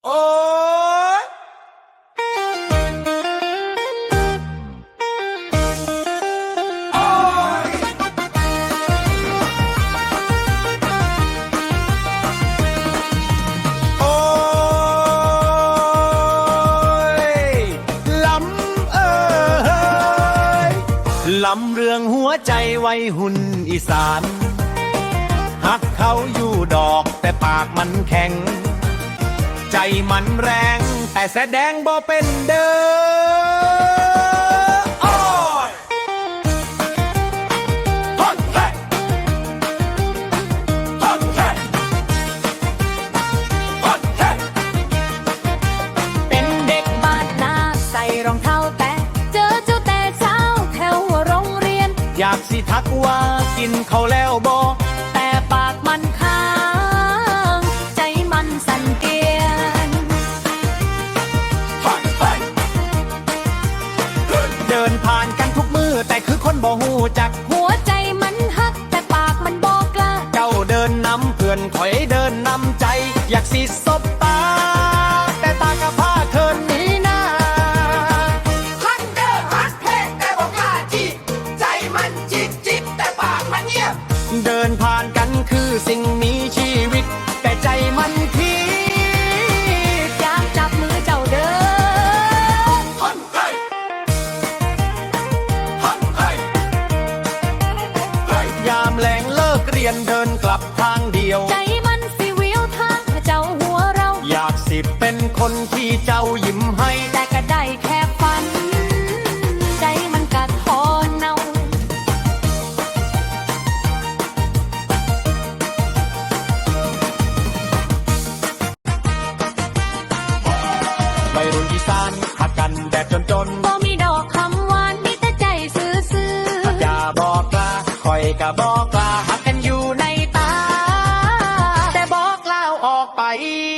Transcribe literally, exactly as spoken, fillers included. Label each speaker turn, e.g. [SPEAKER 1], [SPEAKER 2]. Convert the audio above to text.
[SPEAKER 1] โอ้ยโอ้ยลำเอ้ยลำเรื่องหัวใจวัยหุ่นอีสานหักเขาอยู่ดอกแต่ปากมันแข็งใจมันแรงแต่แสดงบ่เป็นเด้อโอ้ยฮอนเฮ้ฮอนเฮ้ฮอนเฮ้
[SPEAKER 2] เป็นเด็กบ้านนาใส่รองเท้าแตะเจอเจ้าแต่เช้าแถวโรงเรียน
[SPEAKER 1] อยากสิทักว่ากินเขาแล้วบ่
[SPEAKER 2] แต่ปากมันค้างใจมันสั่นเกียน
[SPEAKER 1] เดินผ่านกันทุกมือแต่คือคนบ่หูจัก
[SPEAKER 2] หัวใจมันฮักแต่ปากมันบอกกล้า
[SPEAKER 1] เจ้าเดินนำเพื่อนถอยเดินนำใจอยากสิสบตาแต่ตากะพาเคินหนีหน้า
[SPEAKER 3] ฮักเด้อฮักเพลงแต่บอกกล้าจีบใจมันจิบจิบแต่ปากมันเงียบ
[SPEAKER 1] เดินผ่านกันคือสิ่งมีชีวิตแต่ใจมันคิด
[SPEAKER 2] อยากจับมือเจ้าเด้อ
[SPEAKER 3] ฮันเฮ้ฮันเฮ้
[SPEAKER 1] ยามแลงเลิกเรียนเดินกลับทางเดียว
[SPEAKER 2] ใจมันสิวิวทางเจ้าหัวเรา
[SPEAKER 1] อยากสิเป็นคนที่เจ้ายิ้มให้
[SPEAKER 2] แต่ก็ได้แค่ฝันใจมันกัดคอเนา
[SPEAKER 1] ไปรุ่นอีสานหักกันแบบจนจน
[SPEAKER 2] บ่มีดอกคำหวานมีแต่ใจซื่อๆ
[SPEAKER 1] อย่าบอกลาคอยกะบอกลาหักกันอยู่ในตาแต่บอกลาออกไป